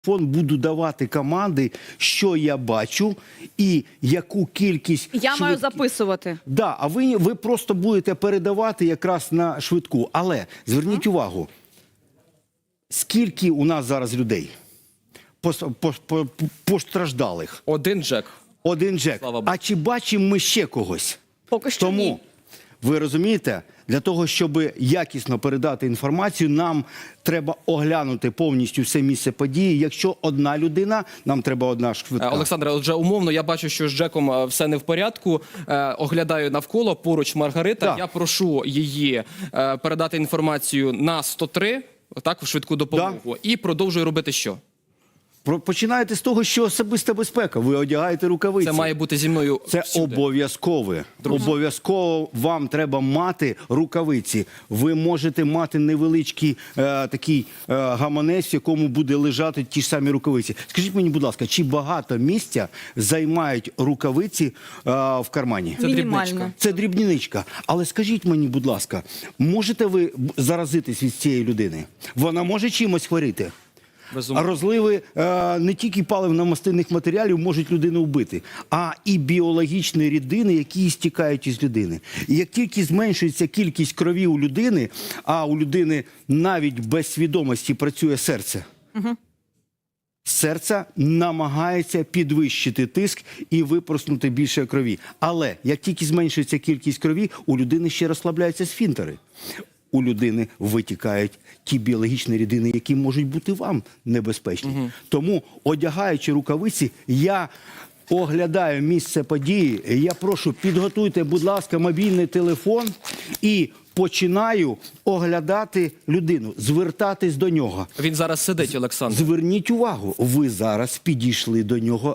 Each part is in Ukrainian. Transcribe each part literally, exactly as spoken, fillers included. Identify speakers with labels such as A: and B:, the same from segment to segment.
A: Фон буду давати команди, що я бачу і яку кількість...
B: Я
A: швидкі...
B: маю записувати.
A: Да, а ви, ви просто будете передавати якраз на швидку. Але зверніть увагу, скільки у нас зараз людей постраждалих?
C: Один Джек.
A: Один Джек. А чи бачимо ми ще когось?
B: Поки що
A: Тому,
B: ні.
A: ви розумієте, для того, щоб якісно передати інформацію, нам треба оглянути повністю все місце події. Якщо одна людина, нам треба одна швидка.
C: Олександре, отже, умовно, я бачу, що з Джеком все не в порядку. Е, оглядаю навколо, поруч Маргарита.
A: Так.
C: Я прошу її е, передати інформацію на сто три, так, в швидку допомогу.
A: Да.
C: І продовжую робити що?
A: Починаєте з того, що особиста безпека. Ви одягаєте рукавиці.
C: Це має бути зі мною
A: Це
C: всюди.
A: обов'язкове. Обов'язково вам треба мати рукавиці. Ви можете мати невеличкий е, такий е, гаманець, в якому буде лежати ті ж самі рукавиці. Скажіть мені, будь ласка, чи багато місця займають рукавиці е, в кармані?
C: Це
B: Мінімально.
C: дрібничка.
A: Це дрібничка. Але скажіть мені, будь ласка, можете ви заразитись від цієї людини? Вона може чимось хворіти?
C: Безумовно.
A: Розливи е, не тільки паливно-мастильних матеріалів можуть людину вбити, а і біологічні рідини, які стікають із людини. І як тільки зменшується кількість крові у людини, а у людини навіть без свідомості працює серце, угу. серце намагається підвищити тиск і випорснути більше крові. Але як тільки зменшується кількість крові, у людини ще розслабляються сфінктери. У людини витікають ті біологічні рідини, які можуть бути вам небезпечні. Угу. Тому, одягаючи рукавиці, я оглядаю місце події. Я прошу, підготуйте, будь ласка, мобільний телефон і починаю оглядати людину, звертатись до нього.
C: Він зараз сидить, Олександр.
A: Зверніть увагу, ви зараз підійшли до нього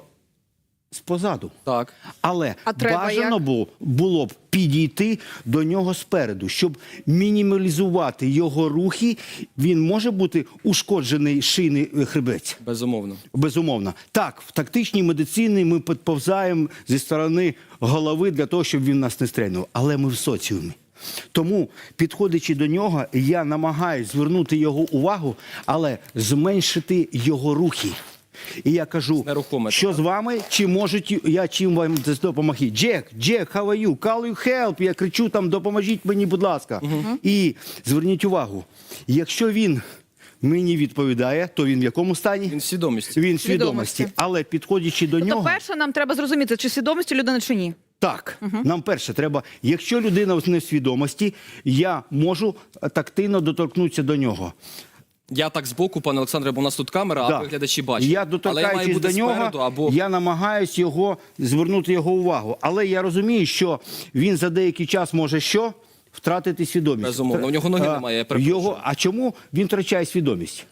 A: спозаду.
C: Так.
A: Але
B: а
A: бажано було, було б підійти до нього спереду, щоб мінімалізувати його рухи. Він може бути ушкоджений шийний хребець?
C: Безумовно.
A: Безумовно. Так, в тактичній медицині ми підповзаємо зі сторони голови для того, щоб він нас не стрельнув. Але ми в соціумі. Тому, підходячи до нього, я намагаюся звернути його увагу, але зменшити його рухи. І я кажу, що з вами, чи можуть, я чим вам допомогти? Джек, Джек, how are you? Call you help? Я кричу там, допоможіть мені, будь ласка. Uh-huh. І зверніть увагу, якщо він мені відповідає, то він в якому стані?
C: Він в свідомості.
A: Він в свідомості. Але підходячи до
B: тобто,
A: нього...
B: перше, нам треба зрозуміти, чи свідомості людини, чи ні.
A: Так, угу. Нам перше треба, якщо людина не в свідомості, я можу тактильно доторкнутися до нього.
C: Я так збоку, пане Олександре, бо у нас тут камера,
A: да.
C: а глядачі бачать.
A: Я доторкаючись до нього, або... я намагаюсь його, звернути його увагу. Але я розумію, що він за деякий час може що? Втратити свідомість.
C: Безумовно, у нього ноги немає, я перепрошую.
A: Його... А чому він втрачає свідомість?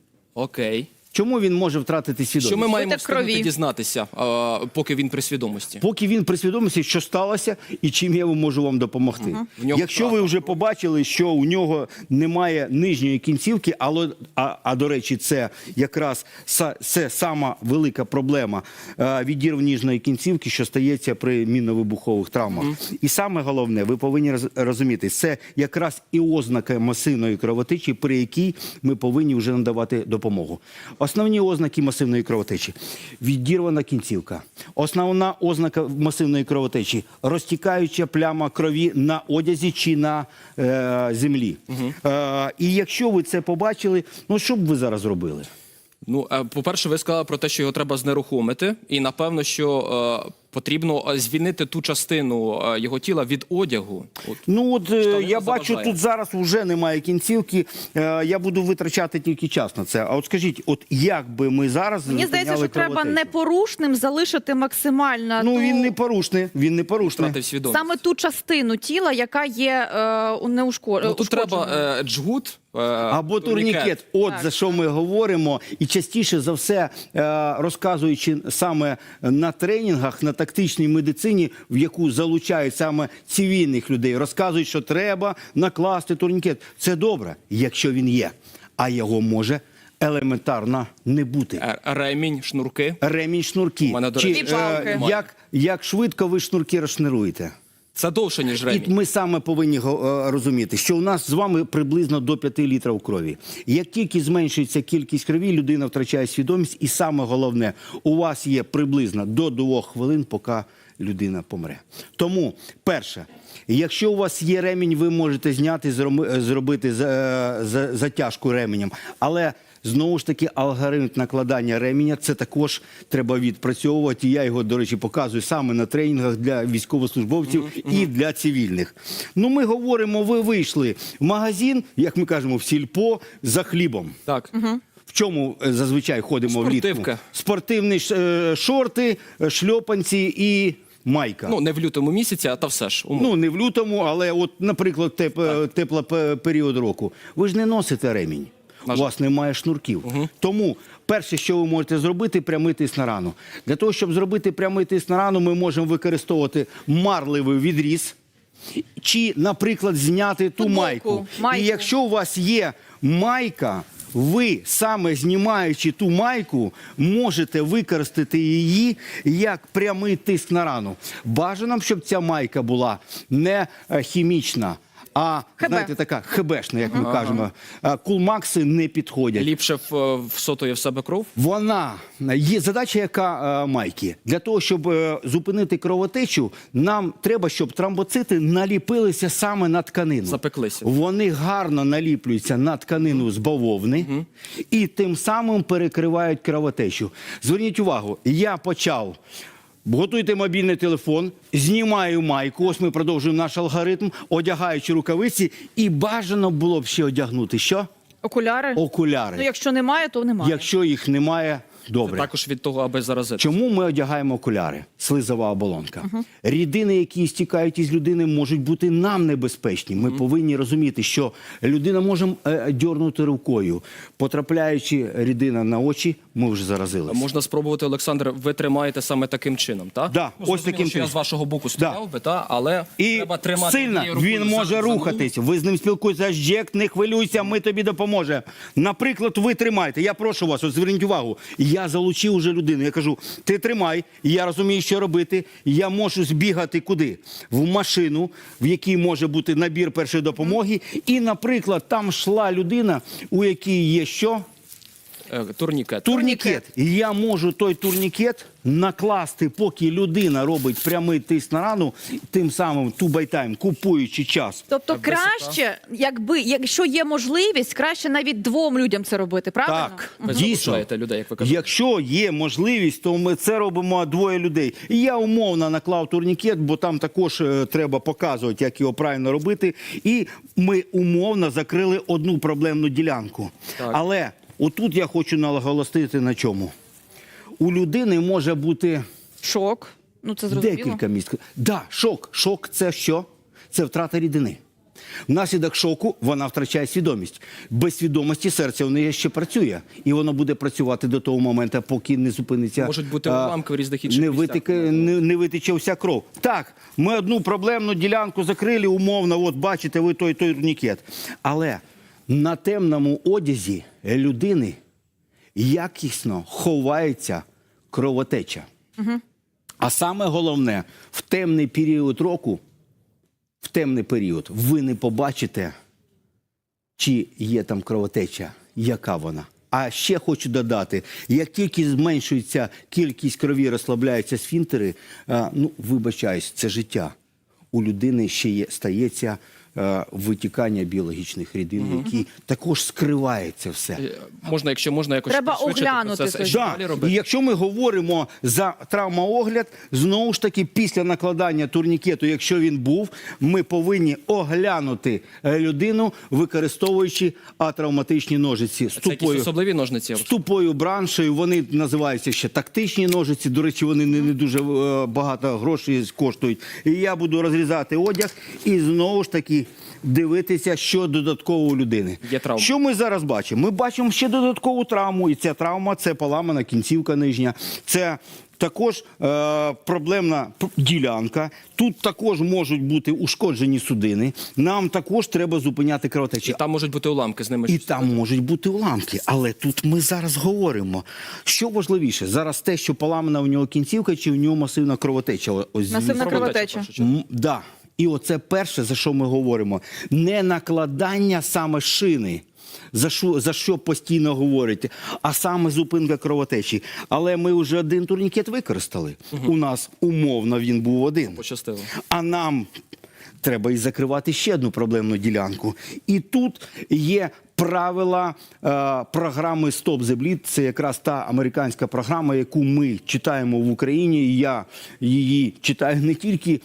C: Окей.
A: Чому він може втратити свідомість?
C: Що ми маємо встигнути дізнатися, а, поки він при свідомості?
A: Поки він при свідомості, що сталося і чим я можу вам допомогти. Угу. Якщо правда. Ви вже побачили, що у нього немає нижньої кінцівки, але, а, а до речі, це якраз це сама велика проблема відірв ніжної кінцівки, що стається при мінно-вибухових травмах. Угу. І саме головне, ви повинні розуміти, це якраз і ознака масивної кровотечі, при якій ми повинні вже надавати допомогу. Основні ознаки масивної кровотечі – відірвана кінцівка. Основна ознака масивної кровотечі – розтікаюча пляма крові на одязі чи на е, землі. Угу. Е, і якщо ви це побачили, ну що б ви зараз робили?
C: Ну, по-перше, ви сказали про те, що його треба знерухомити. І, напевно, що е, потрібно звільнити ту частину е, його тіла від одягу. От,
A: ну, от я бачу,
C: заважає.
A: Тут зараз вже немає кінцівки. Е, я буду витрачати тільки час на це. А от скажіть, от як би ми зараз
B: Мені здається, що треба непорушним залишити максимально...
A: Ну,
B: ту...
A: він не порушний. Він не порушний.
B: Саме ту частину тіла, яка є е, неушкодженою.
C: Ну, тут треба е, джгут,
A: або турнікет. турнікет. От так. За що ми говоримо. І частіше за все, розказуючи саме на тренінгах, на тактичній медицині, в яку залучають саме цивільних людей, розказують, що треба накласти турнікет. Це добре, якщо він є. А його може елементарно не бути.
C: Ремінь, шнурки.
A: Ремінь, шнурки.
C: У мене, до
A: Чи,
C: речі,
A: е, як, як швидко ви шнурки розшнуруєте?
C: Це довше, ніж
A: І
C: ремінь.
A: ми саме повинні го- е, розуміти, що у нас з вами приблизно до п'яти літрів крові. Як тільки зменшується кількість крові, людина втрачає свідомість. І саме головне, у вас є приблизно до двох хвилин, поки людина помре. Тому, перше, якщо у вас є ремінь, ви можете зняти, зроми- зробити за- за- затяжку ременем. Але знову ж таки, алгоритм накладання ременя, це також треба відпрацьовувати. Я його, до речі, показую саме на тренінгах для військовослужбовців і для цивільних. Ну, ми говоримо, ви вийшли в магазин, як ми кажемо, в сільпо, за хлібом.
C: Так.
A: В чому е, зазвичай ходимо влітку?
C: Спортивка.
A: Спортивні ш- е, шорти, е, шльопанці і майка.
C: Ну, не в лютому місяці, а та все ж. умовно.
A: Ну, не в лютому, але от, наприклад, теп, теплий період року. Ви ж не носите ремінь.
C: На
A: У
C: жаль.
A: вас немає шнурків. Тому перше, що ви можете зробити, прямий тиск на рану. Для того, щоб зробити прямий тиск на рану, ми можемо використовувати марливий відріз чи, наприклад, зняти ту
B: Футболку,
A: майку.
B: майку.
A: І якщо у вас є майка, ви саме знімаючи ту майку, можете використати її як прямий тиск на рану. Бажано, щоб ця майка була не е, хімічна, а,
B: ХБ.
A: знаєте, така хебешна, як ми кажемо. А, Кулмакси не підходять.
C: Ліпше в, всотує в себе кров.
A: Вона є задача, яка е, майки. Для того, щоб е, зупинити кровотечу, нам треба, щоб тромбоцити наліпилися саме на тканину.
C: Запеклися.
A: Вони гарно наліплюються на тканину з бавовни і тим самим перекривають кровотечу. Зверніть увагу, я почав. Готуйте мобільний телефон, знімаю майку, ось ми продовжуємо наш алгоритм, одягаючи рукавиці, і бажано було б ще одягнути що?
B: Окуляри?
A: Окуляри.
B: Ну, якщо немає, то немає.
A: Якщо їх немає, добре.
C: Також від того, аби заразити.
A: Чому ми одягаємо окуляри? Слизова оболонка. Рідини, які стікають із людини, можуть бути нам небезпечні. Ми повинні розуміти, що людина може е, дьорнути рукою. Потрапляючи рідина на очі, ми вже заразилися.
C: Можна спробувати, Олександр, ви тримаєте саме таким чином, так?
A: Да,
C: ну,
A: ось
C: зрозуміло,
A: таким
C: що я
A: чином.
C: з вашого боку стояв би, та, але
A: І
C: треба тримати
A: сильно
C: однією рукою
A: він
C: за-
A: може
C: за ногу.
A: рухатись. Ви з ним спілкуєтеся, Джек, не хвилюйся, ми тобі допоможемо. Наприклад, ви тримаєте. Я прошу вас, от зверніть увагу. Я залучив уже людину. Я кажу, ти тримай, я розумію, що робити. Я можу збігати куди? В машину, в якій може бути набір першої допомоги. І, наприклад, там йшла людина, у якій є що?
C: Е, Турнікет.
A: Турнікет. І я можу той турнікет накласти, поки людина робить прямий тиск на рану, тим самим тубайтайм, купуючи час.
B: Тобто краще, якби, якщо є можливість, краще навіть двом людям це робити, правильно?
A: Так,
C: Ви
A: дійсно.
C: залучаєте людей, як ви кажете.
A: Якщо є можливість, то ми це робимо двоє людей. І я умовно наклав турнікет, бо там також е, треба показувати, як його правильно робити. І ми умовно закрили одну проблемну ділянку.
C: Так.
A: Але отут я хочу наголосити на чому. У людини може бути
B: Шок. Ну, це зрозуміло.
A: декілька місць. Да, шок. Шок – це що? Це втрата рідини. Внаслідок шоку вона втрачає свідомість. Без свідомості серце у неї ще працює. І воно буде працювати до того моменту, поки не зупиниться.
C: Можуть бути
A: а,
C: уламки в різних інших
A: не
C: місцях.
A: витеке, не, не витече вся кров. Так, ми одну проблемну ділянку закрили, умовно, от бачите ви той той турнікет. Але на темному одязі людини якісно ховається кровотеча. Угу. А саме головне, в темний період року, в темний період, ви не побачите, чи є там кровотеча, яка вона. А ще хочу додати, як тільки зменшується кількість крові, розслабляються сфінктери, а, ну, вибачаюсь, це життя. У людини ще є, стається а, витікання біологічних рідин, угу. які також скривається все.
C: Е, Можна, якщо можна, якось
B: Треба
C: пришвидшити
B: оглянути
C: процес,
B: це.
C: що
A: Да.
C: далі
A: І
C: робити?
A: якщо ми говоримо за травмоогляд, знову ж таки, після накладання турнікету, якщо він був, ми повинні оглянути е, людину, використовуючи атравматичні ножиці з
C: Це якісь
A: тупою,
C: особливі ножниці?
A: з тупою браншею. Вони називаються ще тактичні ножиці. До речі, вони не, не дуже е, багато грошей коштують. І я буду розрізати одяг і знову ж таки дивитися, що додатково у людини.
C: Є травма.
A: Що ми зараз бачимо? Ми бачимо ще додаткову травму, і ця травма – це поламана кінцівка нижня, це також е, проблемна п- ділянка, тут також можуть бути ушкоджені судини, нам також треба зупиняти
C: І
A: кровотечі.
C: там можуть бути уламки з ними.
A: І
C: щось.
A: там можуть бути уламки, але тут ми зараз говоримо. Що важливіше, зараз те, що поламана у нього кінцівка, чи в нього масивна кровотеча? Ось
B: Масивна
A: звідси.
B: кровотеча.
C: в першу чергу.
A: М, да. І оце перше, за що ми говоримо, не накладання саме шини, за що, за що постійно говорять, а саме зупинка кровотечі. Але ми вже один турнікет використали. Угу. У нас умовно він був один.
C: Пощастило.
A: А нам треба і закривати ще одну проблемну ділянку. І тут є правила е, програми «Stop the Bleed». Це якраз та американська програма, яку ми читаємо в Україні. І я її читаю не тільки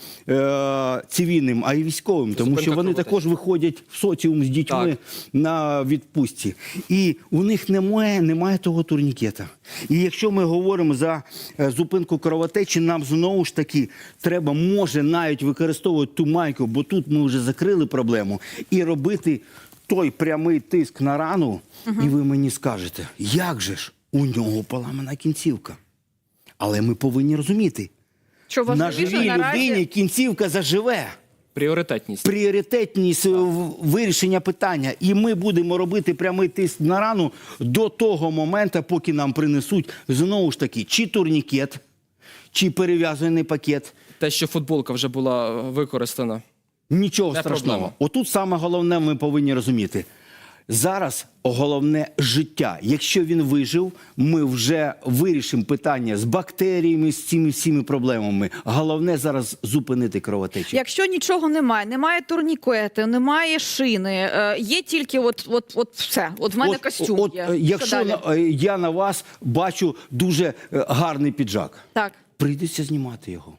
A: е, цивільним, а й військовим. Тому
C: Зупинка
A: що вони
C: кровотечі.
A: також виходять в соціум з дітьми
C: Так.
A: на відпустці. І у них немає, немає того турнікета. І якщо ми говоримо за е, зупинку кровотечі, нам знову ж таки треба, може, навіть використовувати ту майку, бо тут ми вже закрили проблему, і робити той прямий тиск на рану, угу. І ви мені скажете, як же ж у нього поламана кінцівка? Але ми повинні розуміти,
B: Що
A: на
B: важливіше
A: живій
B: наразі...
A: людині кінцівка заживе.
C: Пріоритетність.
A: Пріоритетність в- вирішення питання. І ми будемо робити прямий тиск на рану до того моменту, поки нам принесуть, знову ж таки, чи турнікет, чи перев'язаний пакет.
C: Те, що футболка вже була використана.
A: Нічого
C: Не
A: страшного.
C: проблема.
A: Отут саме головне ми повинні розуміти. Зараз головне життя. Якщо він вижив, ми вже вирішимо питання з бактеріями, з цими всіми проблемами. Головне зараз зупинити кровотечу.
B: Якщо нічого немає, немає турнікету, немає шини, е, є тільки от, от, от все. От в мене
A: От-
B: костюм
A: от,
B: є.
A: е,
B: Що
A: якщо
B: далі?
A: на- е, я на вас бачу дуже е, гарний піджак,
B: Так.
A: прийдеться знімати його.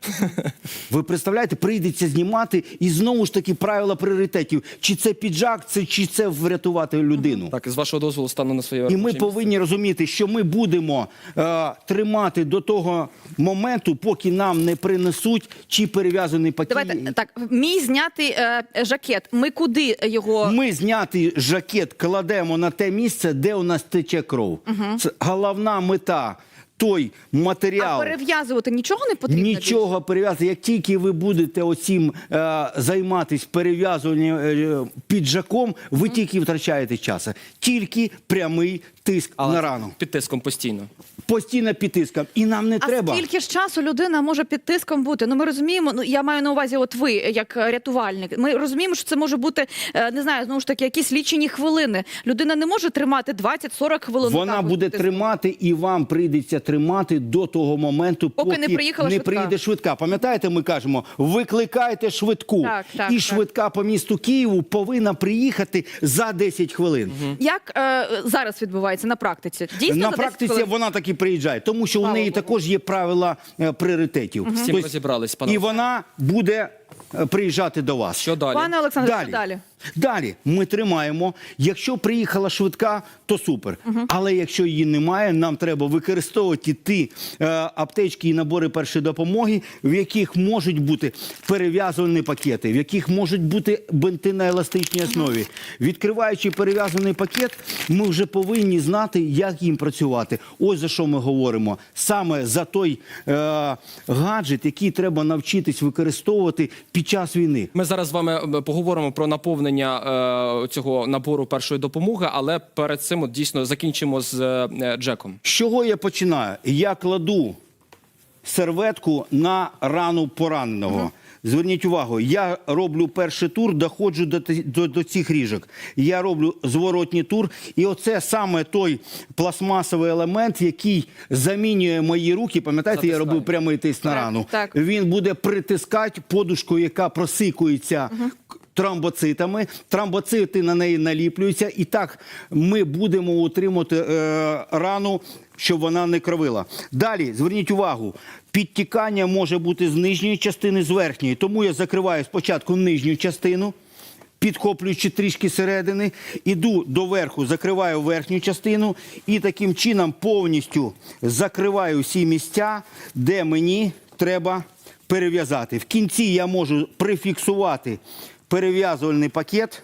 A: Ви представляєте, прийдеться знімати, і знову ж таки правила пріоритетів. Чи це піджак, це, чи це врятувати людину.
C: Так, з вашого дозволу стану на своє
A: І
C: робоче
A: ми
C: місце.
A: повинні розуміти, що ми будемо е, тримати до того моменту, поки нам не принесуть чи перев'язаний пакет.
B: Давайте так. Мій знятий е, жакет. Ми куди його?
A: Ми знятий жакет кладемо на те місце, де у нас тече кров. Це головна мета. Той матеріал.
B: А перев'язувати нічого не потрібно?
A: Нічого перев'язати. Як тільки ви будете оцім е, займатися перев'язуванням е, піджаком, ви тільки втрачаєте час. Тільки прямий тиск
C: Але
A: на рану.
C: під тиском постійно.
A: Постійно під тиском. І нам не
B: А
A: треба.
B: скільки ж часу людина може під тиском бути? Ну ми розуміємо, ну я маю на увазі, от ви, як рятувальник. Ми розуміємо, що це може бути, е, не знаю, знову ж таки, якісь лічені хвилини. Людина не може тримати двадцять-сорок хвилин.
A: Вона
B: отак от
A: буде
B: під тиском.
A: тримати, і вам прийдеться тримати до того моменту,
B: Поки
A: поки,
B: не приїхала
A: не
B: швидка.
A: приїде швидка. Пам'ятаєте, ми кажемо, викликайте швидку.
B: Так, так,
A: і
B: так.
A: швидка по місту Києву повинна приїхати за десять хвилин.
B: Як е, зараз відбувається на практиці? Дійсно,
A: На
B: за десять
A: практиці
B: хвилин?
A: вона таки приїжджає, тому що
B: Слава
A: у неї
B: Богу.
A: також є правила е, пріоритетів.
C: З цим
A: Тобто,
C: розібрались, пане
A: і
C: Олександре.
A: вона буде е, приїжджати до вас.
C: Що далі?
B: Пане Олександре,
A: Далі.
B: що далі?
A: Далі ми тримаємо. Якщо приїхала швидка, то супер. Але якщо її немає, нам треба використовувати ті е, аптечки і набори першої допомоги, в яких можуть бути перев'язані пакети, в яких можуть бути бинти на еластичній основі. Відкриваючи перев'язаний пакет, ми вже повинні знати, як їм працювати. Ось за що ми говоримо. Саме за той е, гаджет, який треба навчитись використовувати під час війни.
C: Ми зараз з вами е, поговоримо про наповнення е, цього набору першої допомоги, але перед цим от, дійсно закінчимо з е, Джеком.
A: З чого я починаю? Я кладу серветку на рану пораненого. Зверніть увагу, я роблю перший тур, доходжу до, ти- до, до цих ріжок. Я роблю зворотній тур, і оце саме той пластмасовий елемент, який замінює мої руки. Пам'ятаєте, я
C: Затискає.
A: робив прямий тиск на
B: Так,
A: рану?
B: так.
A: Він буде притискати подушку, яка просикується к- тромбоцитами. Тромбоцити на неї наліплюються. І так ми будемо утримувати е, рану, щоб вона не кровила. Далі, зверніть увагу, підтікання може бути з нижньої частини, з верхньої. Тому я закриваю спочатку нижню частину, підхоплюючи трішки середини, іду до верху, закриваю верхню частину і таким чином повністю закриваю всі місця, де мені треба перев'язати. В кінці я можу прифіксувати перев'язувальний пакет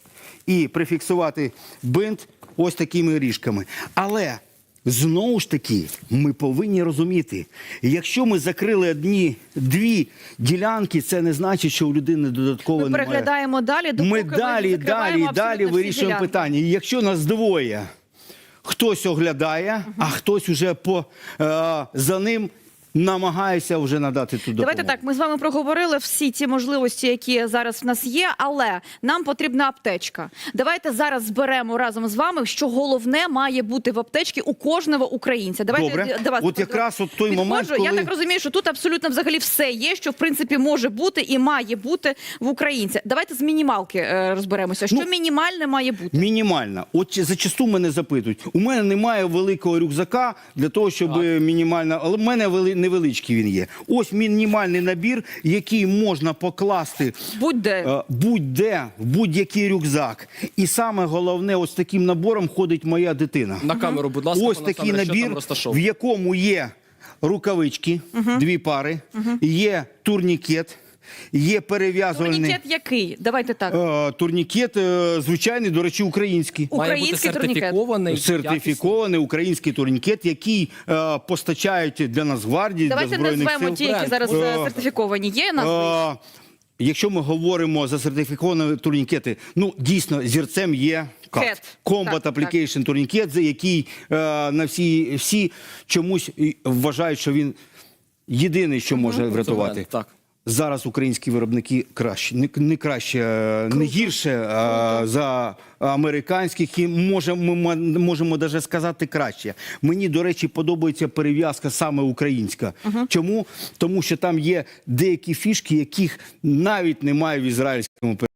A: і прифіксувати бинт ось такими ріжками. Але знову ж таки, ми повинні розуміти, якщо ми закрили одні, дві ділянки, це не значить, що у людини додатково
B: Ми
A: немає.
B: переглядаємо далі, допоки
A: Ми
B: ми
A: далі,
B: закриваємо
A: далі, далі
B: абсолютно всі
A: вирішуємо
B: ділянки.
A: питання. І якщо нас двоє, хтось оглядає, а хтось уже по, е, за ним намагаюся вже надати ту допомогу.
B: Давайте так, ми з вами проговорили всі ті можливості, які зараз в нас є, але нам потрібна аптечка. Давайте зараз зберемо разом з вами, що головне має бути в аптечці у кожного українця. Давайте
A: Добре.
B: до вас
A: От якраз от той
B: підходжу.
A: момент, коли...
B: Я так розумію, що тут абсолютно взагалі все є, що в принципі може бути і має бути в українця. Давайте з мінімалки е, розберемося. Що
A: Ну,
B: мінімальне має бути?
A: Мінімальна. От зачасту мене запитують. У мене немає великого рюкзака для того, щоб мінімальна, але в мене вели... невеличкий він є. Ось мінімальний набір, який можна покласти
B: Будь-де.
A: е, будь-де, в будь-який рюкзак. І саме головне, ось таким набором ходить моя дитина.
C: На камеру, будь ласка,
A: Ось
C: пане
A: такий
C: Олександре, що там
A: набір, в
C: розташовано?
A: якому є рукавички, дві пари, є турнікет, є перев'язувальний...
B: Турнікет який? Давайте так.
A: Е, турнікет, е, звичайний, до речі, український.
C: Має бути
B: Український турнікет.
C: сертифікований,
A: Сертифікований український турнікет, який е, постачають для Нацгвардії, для
B: Давайте
A: Збройних
B: назвемо
A: сил.
B: ті, які
C: Бренд.
B: зараз
A: Е,
B: е, сертифіковані. Є назви?
A: Е, Якщо ми говоримо за сертифіковані турнікети, ну, дійсно, зірцем є
B: Кет.
A: кат. Combat
B: Так,
A: Application турнікет, за який е, на всі, всі чомусь і вважають, що він єдиний, що може врятувати.
C: Так.
A: Зараз українські виробники краще, не, не краще, е, не гірше е, за американських, і може, ми м- можемо навіть сказати краще. Мені, до речі, подобається перев'язка саме українська. Чому? Тому що там є деякі фішки, яких навіть немає в ізраїльському перев'язку.